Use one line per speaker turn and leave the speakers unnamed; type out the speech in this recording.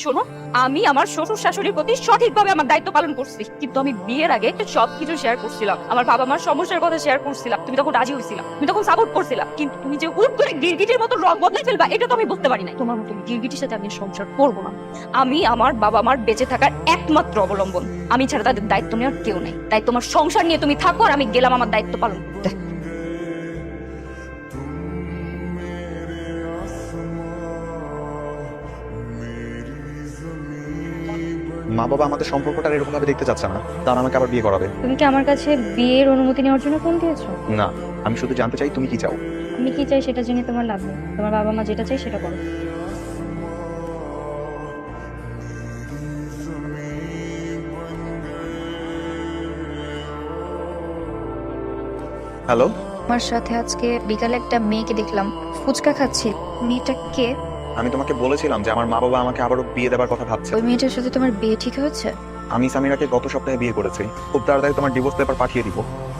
শোনো, আমি আমার শ্বশুর শাশুড়ির প্রতি সঠিকভাবে আমার দায়িত্ব পালন করছি, কিন্তু আমি বিয়ের আগে সবকিছু শেয়ার করছিলাম। আমার বাবা মার সমস্যার কথা শেয়ার করছিলাম, তুমি তখন রাজি হয়েছিলা, তুমি তখন সাপোর্ট করছিলা। কিন্তু তুমি যে হুট করে গিরগিটির মতো রং বদলে ফেলবা, এটা তো আমি বুঝতে পারি নাই। তোমার মতো গিরগিটির সাথে আমি সংসার করবো না। আমি আমার বাবা মার বেঁচে থাকার একমাত্র অবলম্বন, আমি ছাড়া তাদের দায়িত্ব নেওয়ার কেউ নাই। তাই তোমার সংসার নিয়ে তুমি থাকো, আর আমি গেলাম আমার দায়িত্ব পালন করতে।
মা বাবা আমাদের সম্পর্কটা এরকম ভাবে দেখতে চাচ্ছে না, তারা আমাকে আবার বিয়ে করাবে।
তুমি কি আমার কাছে বিয়ের অনুমতি নেওয়ার জন্য ফোন দিয়েছো?
না, আমি শুধু জানতে চাই তুমি কি চাও।
আমি কি চাই সেটা জেনে তোমার লাভ নেই। তোমার বাবা মা যেটা চাই সেটা করো।
হ্যালো,
আমার সাথে আজকে বিকালে একটা মেয়েকে দেখলাম ফুচকা খাচ্ছে। মেয়েটা কে?
আমি তোমাকে বলেছিলাম যে আমার মা বাবা আমাকে আবারও বিয়ে দেওয়ার কথা ভাবছে।
ওই মেয়েটার সাথে তোমার বিয়ে ঠিক হয়েছে?
আমি সামিরাকে গত সপ্তাহে বিয়ে করেছি, খুব তাড়াতাড়ি তোমার ডিভোর্স পেপার পাঠিয়ে দিব।